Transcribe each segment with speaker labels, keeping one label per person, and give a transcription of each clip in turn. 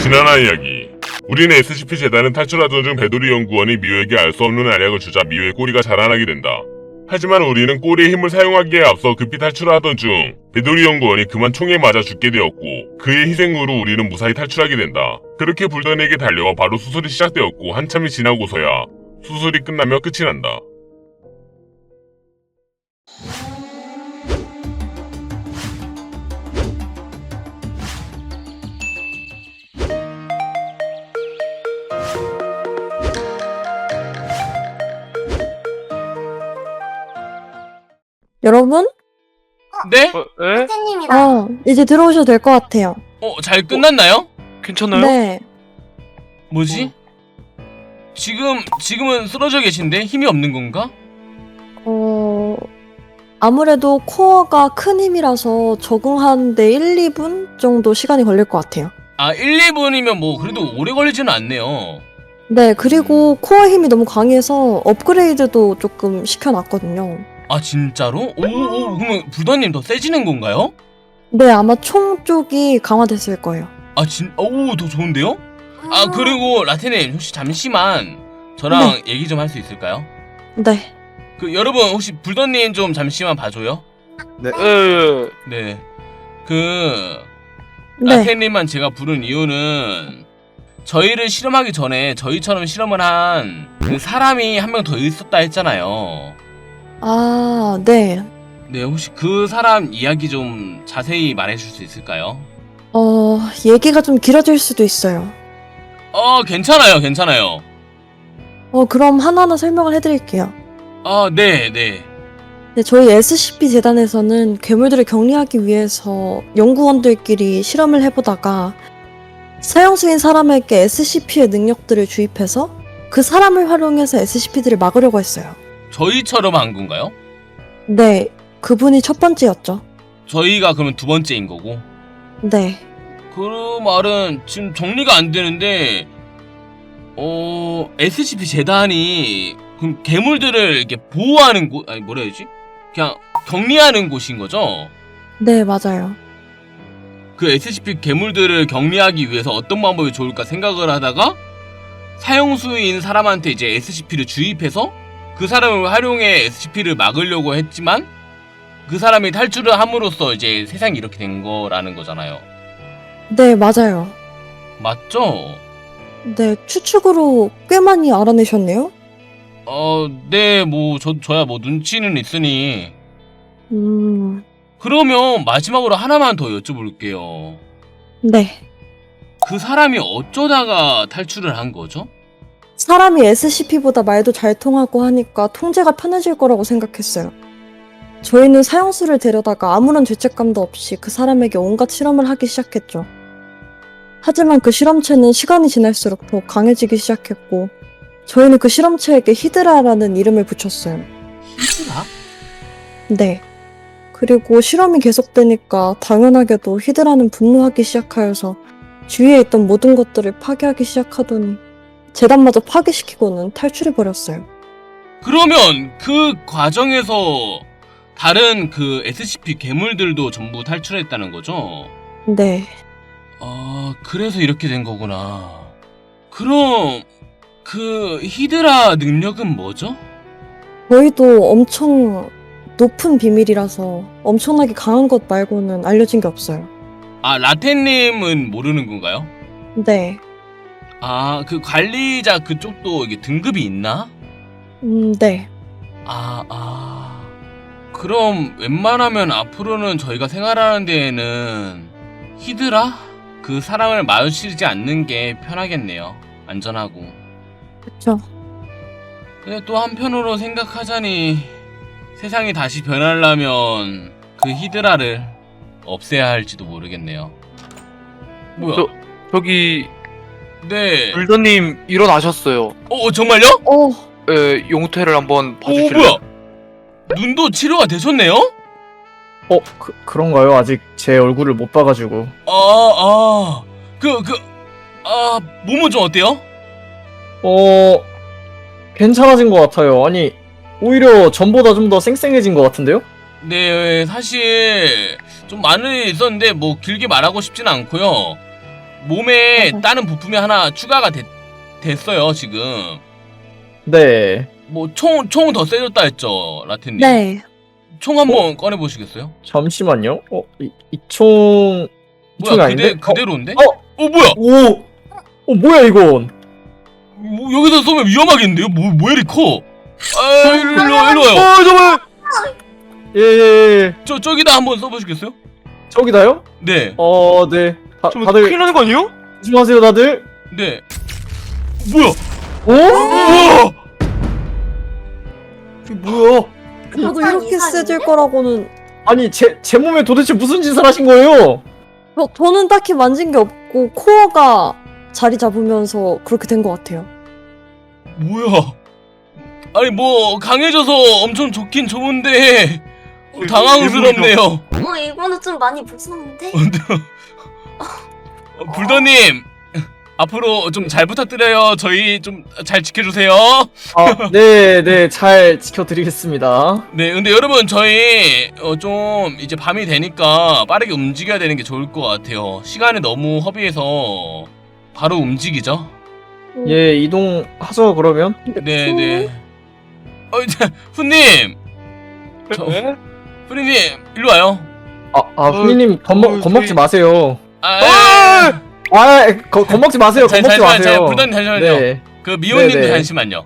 Speaker 1: 지난화 이야기. 우리는 SCP-재단은 탈출하던 중 배도리 연구원이 미호에게 알 수 없는 알약을 주자 미호의 꼬리가 자라나게 된다. 하지만 우리는 꼬리의 힘을 사용하기에 앞서 급히 탈출하던 중 배도리 연구원이 그만 총에 맞아 죽게 되었고, 그의 희생으로 우리는 무사히 탈출하게 된다. 그렇게 불던에게 달려와 바로 수술이 시작되었고, 한참이 지나고서야 수술이 끝나며 끝이 난다.
Speaker 2: 여러분?
Speaker 3: 네?
Speaker 4: 에?
Speaker 5: 선생님이다.
Speaker 2: 이제 들어오셔도 될 것 같아요.
Speaker 3: 잘 끝났나요?
Speaker 4: 괜찮나요?
Speaker 2: 네.
Speaker 3: 뭐지? 지금은 쓰러져 계신데 힘이 없는 건가?
Speaker 2: 아무래도 코어가 큰 힘이라서 적응하는데 1, 2분 정도 시간이 걸릴 것 같아요.
Speaker 3: 1, 2분이면 뭐 그래도 오래 걸리지는 않네요.
Speaker 2: 네, 그리고 코어 힘이 너무 강해서 업그레이드도 조금 시켜놨거든요.
Speaker 3: 진짜로? 그러면 불더님 더 세지는 건가요?
Speaker 2: 네, 아마 총 쪽이 강화됐을 거예요.
Speaker 3: 더 좋은데요? 그리고 라테님 혹시 잠시만 저랑 얘기 좀 할 수 있을까요?
Speaker 2: 네.
Speaker 3: 여러분 혹시 불더님 좀 잠시만 봐줘요.
Speaker 4: 네.
Speaker 3: 네.
Speaker 2: 네.
Speaker 3: 라테님만 제가 부른 이유는 저희를 실험하기 전에 저희처럼 실험을 한 그 사람이 한 명 더 있었다 했잖아요.
Speaker 2: 네.
Speaker 3: 네, 혹시 그 사람 이야기 좀 자세히 말해줄 수 있을까요?
Speaker 2: 얘기가 좀 길어질 수도 있어요.
Speaker 3: 괜찮아요.
Speaker 2: 그럼 하나하나 설명을 해드릴게요.
Speaker 3: 네.
Speaker 2: 네, 저희 SCP 재단에서는 괴물들을 격리하기 위해서 연구원들끼리 실험을 해보다가 사형수인 사람에게 SCP의 능력들을 주입해서 그 사람을 활용해서 SCP들을 막으려고 했어요.
Speaker 3: 저희처럼 한 건가요?
Speaker 2: 네, 그분이 첫 번째였죠.
Speaker 3: 저희가 그러면 두 번째인 거고.
Speaker 2: 네.
Speaker 3: 그 말은 지금 정리가 안 되는데 SCP 재단이 그럼 괴물들을 이렇게 보호하는 곳, 뭐라 해야지? 그냥 격리하는 곳인 거죠?
Speaker 2: 네, 맞아요.
Speaker 3: 그 SCP 괴물들을 격리하기 위해서 어떤 방법이 좋을까 생각을 하다가 사형수인 사람한테 이제 SCP를 주입해서 그 사람을 활용해 SCP를 막으려고 했지만 그 사람이 탈출을 함으로써 이제 세상이 이렇게 된 거라는 거잖아요.
Speaker 2: 네, 맞아요.
Speaker 3: 맞죠?
Speaker 2: 네, 추측으로 꽤 많이 알아내셨네요?
Speaker 3: 네, 저야 눈치는 있으니. 그러면 마지막으로 하나만 더 여쭤볼게요.
Speaker 2: 네.
Speaker 3: 그 사람이 어쩌다가 탈출을 한 거죠?
Speaker 2: 사람이 SCP보다 말도 잘 통하고 하니까 통제가 편해질 거라고 생각했어요. 저희는 사형수를 데려다가 아무런 죄책감도 없이 그 사람에게 온갖 실험을 하기 시작했죠. 하지만 그 실험체는 시간이 지날수록 더 강해지기 시작했고, 저희는 그 실험체에게 히드라라는 이름을 붙였어요.
Speaker 3: 히드라?
Speaker 2: 네. 그리고 실험이 계속되니까 당연하게도 히드라는 분노하기 시작하여서 주위에 있던 모든 것들을 파괴하기 시작하더니 재단마저 파괴시키고는 탈출해버렸어요.
Speaker 3: 그러면 그 과정에서 다른 그 SCP 괴물들도 전부 탈출했다는 거죠?
Speaker 2: 네.
Speaker 3: 그래서 이렇게 된 거구나. 그럼 그 히드라 능력은 뭐죠?
Speaker 2: 저희도 엄청 높은 비밀이라서 엄청나게 강한 것 말고는 알려진 게 없어요.
Speaker 3: 라테님은 모르는 건가요?
Speaker 2: 네.
Speaker 3: 그 관리자 그쪽도 이게 등급이 있나?
Speaker 2: 네.
Speaker 3: 그럼 웬만하면 앞으로는 저희가 생활하는 데에는 히드라? 그 사람을 마주치지 않는 게 편하겠네요. 안전하고.
Speaker 2: 그쵸.
Speaker 3: 근데 또 한편으로 생각하자니 세상이 다시 변하려면 그 히드라를 없애야 할지도 모르겠네요. 뭐야?
Speaker 4: 저기
Speaker 3: 네.
Speaker 4: 불더님 일어나셨어요.
Speaker 3: 정말요?
Speaker 4: 용태를 한번 봐주실래요?
Speaker 3: 뭐야? 눈도 치료가 되셨네요?
Speaker 6: 그런가요? 아직 제 얼굴을 못 봐가지고.
Speaker 3: 몸은 좀 어때요?
Speaker 6: 괜찮아진 것 같아요. 아니, 오히려 전보다 좀 더 쌩쌩해진 것 같은데요?
Speaker 3: 네, 사실 좀 많은 일이 있었는데 뭐 길게 말하고 싶진 않고요. 몸에 다른 부품이 하나 추가가 됐어요 지금.
Speaker 6: 네.
Speaker 3: 뭐 총 더 세졌다 했죠 라테님.
Speaker 2: 네.
Speaker 3: 총 한번 꺼내 보시겠어요?
Speaker 6: 잠시만요. 이 총... 이 총이
Speaker 3: 뭐야
Speaker 6: 아닌데?
Speaker 3: 그대로인데?
Speaker 6: 어?
Speaker 3: 뭐야?
Speaker 6: 오! 뭐야 이건?
Speaker 3: 여기서 쏘면 위험하겠는데요? 뭐야 이리 커? 아 일로 와요.
Speaker 6: 잠깐만! 예.
Speaker 3: 저기다 한번 써보시겠어요?
Speaker 6: 저기다요?
Speaker 3: 네.
Speaker 6: 네.
Speaker 4: 좀
Speaker 6: 다들
Speaker 4: 큰일 나는 거 아니에요?
Speaker 6: 조심하세요 다들.
Speaker 3: 네. 뭐야?
Speaker 6: 오?
Speaker 3: 우와!
Speaker 6: 이게 뭐야?
Speaker 2: 저도 이렇게 세질 거라고는.
Speaker 6: 아니 제 몸에 도대체 무슨 짓을 하신 거예요?
Speaker 2: 저는 딱히 만진 게 없고 코어가 자리 잡으면서 그렇게 된 것 같아요.
Speaker 3: 뭐야? 아니 뭐 강해져서 엄청 좋긴 좋은데 당황스럽네요.
Speaker 5: 이거는 좀 많이 무서운데?
Speaker 3: 불더님 앞으로 좀 잘 부탁드려요. 저희 좀 잘 지켜주세요.
Speaker 6: 네, 잘 지켜드리겠습니다.
Speaker 3: 네, 근데 여러분 저희 좀 이제 밤이 되니까 빠르게 움직여야 되는 게 좋을 것 같아요. 시간이 너무 허비해서 바로 움직이죠.
Speaker 6: 예, 이동하죠 그러면.
Speaker 3: 네. 이제 후님,
Speaker 4: 네?
Speaker 3: 후님 일로 와요.
Speaker 6: 후니님 겁먹지
Speaker 4: 저희-
Speaker 6: 마세요. 겁먹지 마세요. 겁먹지
Speaker 3: 잠시만요.
Speaker 6: 마세요.
Speaker 3: 불더님 잠시만요.
Speaker 6: 네.
Speaker 3: 그 미호님도
Speaker 6: 네네.
Speaker 3: 잠시만요.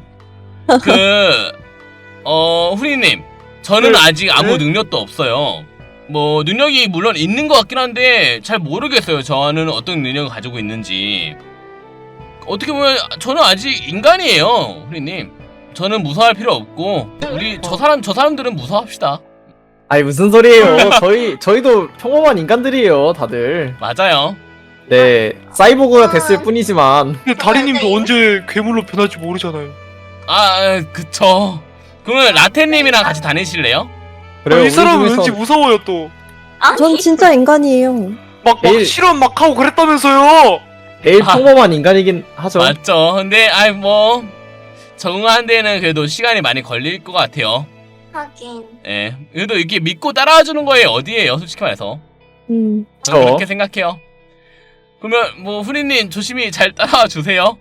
Speaker 3: 후리님, 저는
Speaker 6: 네.
Speaker 3: 아직 아무
Speaker 6: 네?
Speaker 3: 능력도 없어요. 뭐 능력이 물론 있는 것 같긴 한데 잘 모르겠어요. 저는 어떤 능력을 가지고 있는지. 어떻게 보면 저는 아직 인간이에요, 후리님. 저는 무서워할 필요 없고 우리 저 사람들은 무서워합시다.
Speaker 6: 아니 무슨 소리예요? 저희도 평범한 인간들이에요, 다들.
Speaker 3: 맞아요.
Speaker 6: 네, 사이보그가 됐을 뿐이지만.
Speaker 4: 근데 다리님도 언제 괴물로 변할지 모르잖아요.
Speaker 3: 그쵸. 그러면 라테님이랑 같이 다니실래요?
Speaker 6: 그래요.
Speaker 4: 이
Speaker 6: 우리
Speaker 4: 사람은
Speaker 6: 중에서
Speaker 4: 왠지 무서워요 또.
Speaker 2: 전 진짜 인간이에요.
Speaker 4: 막
Speaker 6: 에이.
Speaker 4: 실험 막 하고 그랬다면서요.
Speaker 6: 제일
Speaker 3: 아.
Speaker 6: 평범한 인간이긴 하죠.
Speaker 3: 맞죠. 근데 뭐 적응하는 데는 그래도 시간이 많이 걸릴 것 같아요.
Speaker 5: 하긴.
Speaker 3: 예. 그래도 이렇게 믿고 따라와주는 거에 어디에요, 솔직히 말해서. 저는
Speaker 6: 그쵸.
Speaker 3: 그렇게 생각해요. 그러면 뭐 후리님 조심히 잘 따라와 주세요.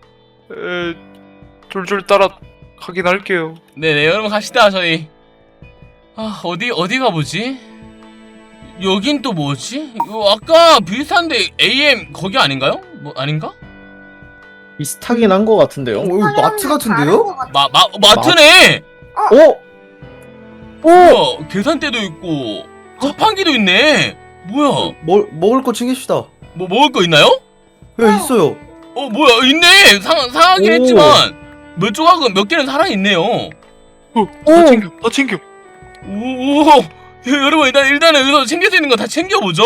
Speaker 4: 쫄쫄 따라 가긴 할게요.
Speaker 3: 네네, 여러분 갑시다 저희. 어디 가보지? 여긴 또 뭐지? 이거 아까 비슷한데 AM 거기 아닌가요? 뭐 아닌가?
Speaker 6: 비슷하긴 한 것 같은데요.
Speaker 7: 이거 마트 같은데요?
Speaker 3: 마트네.
Speaker 2: 오!
Speaker 3: 계산대도 있고 자판기도 있네. 뭐야?
Speaker 7: 먹을 거 챙깁시다.
Speaker 3: 뭐 먹을 거 있나요?
Speaker 7: 예, 있어요.
Speaker 3: 뭐야, 있네. 상하긴
Speaker 6: 오.
Speaker 3: 했지만 몇 조각은 몇 개는 살아 있네요.
Speaker 4: 다 챙겨, 다 챙겨.
Speaker 3: 오. 여러분 일단은 여기서 챙길 수 있는 거 다 챙겨보죠.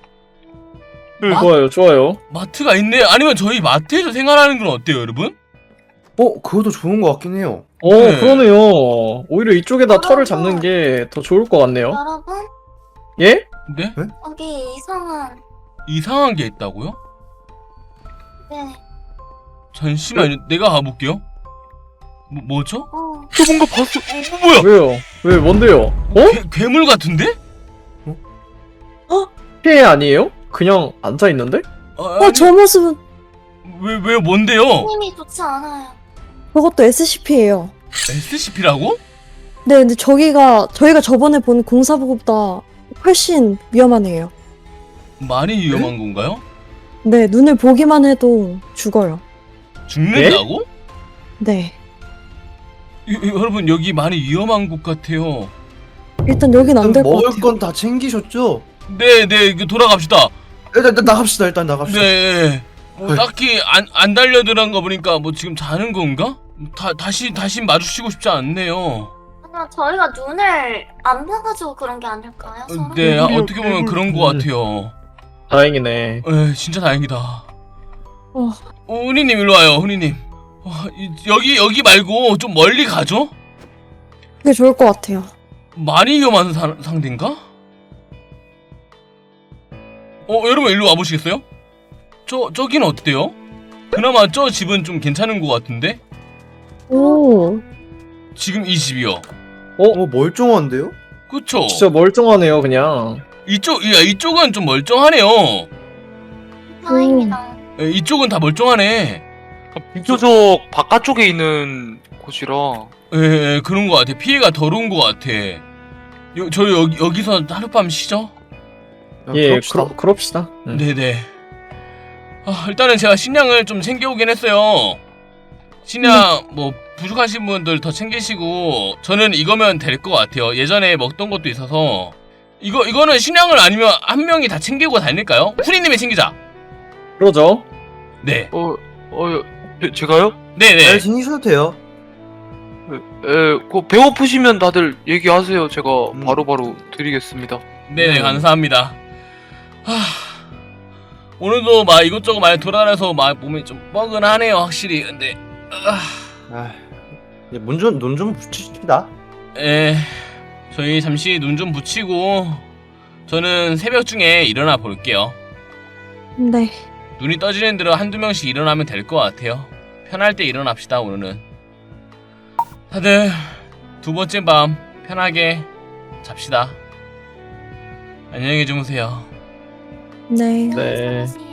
Speaker 6: 좋아요.
Speaker 3: 마트가 있네. 아니면 저희 마트에서 생활하는 건 어때요, 여러분?
Speaker 7: 그것도 좋은 것 같긴 해요.
Speaker 3: 네.
Speaker 6: 그러네요. 오히려 이쪽에다 털을 잡는 게 더 좋을 것 같네요.
Speaker 5: 여러분,
Speaker 6: 예?
Speaker 3: 네?
Speaker 5: 여기
Speaker 3: 이상한 게 있다고요?
Speaker 5: 네.
Speaker 3: 잠시만요. 내가 가볼게요. 뭐죠?
Speaker 4: 저 뭔가 봤어.
Speaker 3: 뭐야?
Speaker 6: 왜요? 왜 뭔데요?
Speaker 3: 괴물 같은데?
Speaker 6: 피해 아니에요? 그냥 앉아 있는데?
Speaker 2: 저 모습은
Speaker 3: 왜 뭔데요?
Speaker 5: 힘이 좋지 않아요.
Speaker 2: 그것도 SCP예요.
Speaker 3: SCP라고?
Speaker 2: 네, 근데 저희가 저번에 본 공사보다 훨씬 위험한 애예요.
Speaker 3: 많이 위험한 건가요?
Speaker 2: 네, 눈을 보기만 해도 죽어요.
Speaker 3: 죽는다고?
Speaker 2: 네.
Speaker 3: 여러분 여기 많이 위험한 곳 같아요.
Speaker 2: 일단 여긴 안 될 것
Speaker 7: 먹을
Speaker 2: 같아요.
Speaker 7: 건 다 챙기셨죠?
Speaker 3: 네, 돌아갑시다.
Speaker 7: 일단 나갑시다. 일단 나갑시다.
Speaker 3: 네. 뭐
Speaker 7: 네.
Speaker 3: 딱히 안 달려들은 거 보니까 뭐 지금 자는 건가? 다시 마주치고 싶지 않네요.
Speaker 5: 아니면 저희가 눈을 안 봐가지고 그런 게 아닐까요? 서로?
Speaker 3: 네,
Speaker 4: 괴물이요,
Speaker 3: 어떻게 보면
Speaker 4: 괴물.
Speaker 3: 그런 거 같아요.
Speaker 6: 다행이네.
Speaker 3: 진짜 다행이다.
Speaker 2: 어.
Speaker 3: 훈이님 일로 와요, 훈이님. 여기 말고 좀 멀리 가죠?
Speaker 2: 그게 좋을 것 같아요.
Speaker 3: 많이 위험한 상대인가? 여러분 일로 와보시겠어요? 저기는 어때요? 그나마 저 집은 좀 괜찮은 것 같은데?
Speaker 2: 오.
Speaker 3: 지금 이 집이요.
Speaker 7: 멀쩡한데요?
Speaker 3: 그쵸?
Speaker 6: 진짜 멀쩡하네요, 그냥.
Speaker 3: 이쪽은 좀 멀쩡하네요.
Speaker 5: 다행이다.
Speaker 3: 이쪽은 다 멀쩡하네.
Speaker 4: 비교적 바깥쪽에 있는 곳이라.
Speaker 3: 예, 그런 것 같아. 피해가 덜 온 것 같아. 저희 여기서 하룻밤 쉬죠?
Speaker 6: 예,
Speaker 7: 그럽시다.
Speaker 6: 그럽시다.
Speaker 3: 네네. 일단은 제가 식량을 좀 챙겨오긴 했어요. 식량 뭐 부족하신 분들 더 챙기시고 저는 이거면 될 것 같아요. 예전에 먹던 것도 있어서 이거는 식량을 아니면 한 명이 다 챙기고 다닐까요? 후리님이 챙기자.
Speaker 6: 그러죠.
Speaker 3: 네.
Speaker 4: 제가요?
Speaker 7: 잘
Speaker 3: 네네.
Speaker 7: 챙기셔도 돼요.
Speaker 4: 그 배고프시면 다들 얘기하세요. 제가
Speaker 7: 음.
Speaker 4: 바로바로 드리겠습니다.
Speaker 3: 네네, 감사합니다. 오늘도 막 이것저것 많이 돌아다녀서 막 몸이 좀 뻐근하네요, 확실히. 근데
Speaker 7: 이제 눈 좀 붙이십시다.
Speaker 3: 저희 잠시 눈 좀 붙이고 저는 새벽 중에 일어나 볼게요.
Speaker 2: 네.
Speaker 3: 눈이 떠지는 대로 한두 명씩 일어나면 될 것 같아요. 편할 때 일어납시다. 오늘은 다들 두 번째 밤 편하게 잡시다. 안녕히 주무세요.
Speaker 2: 네.
Speaker 6: 네.
Speaker 5: 수고하세요.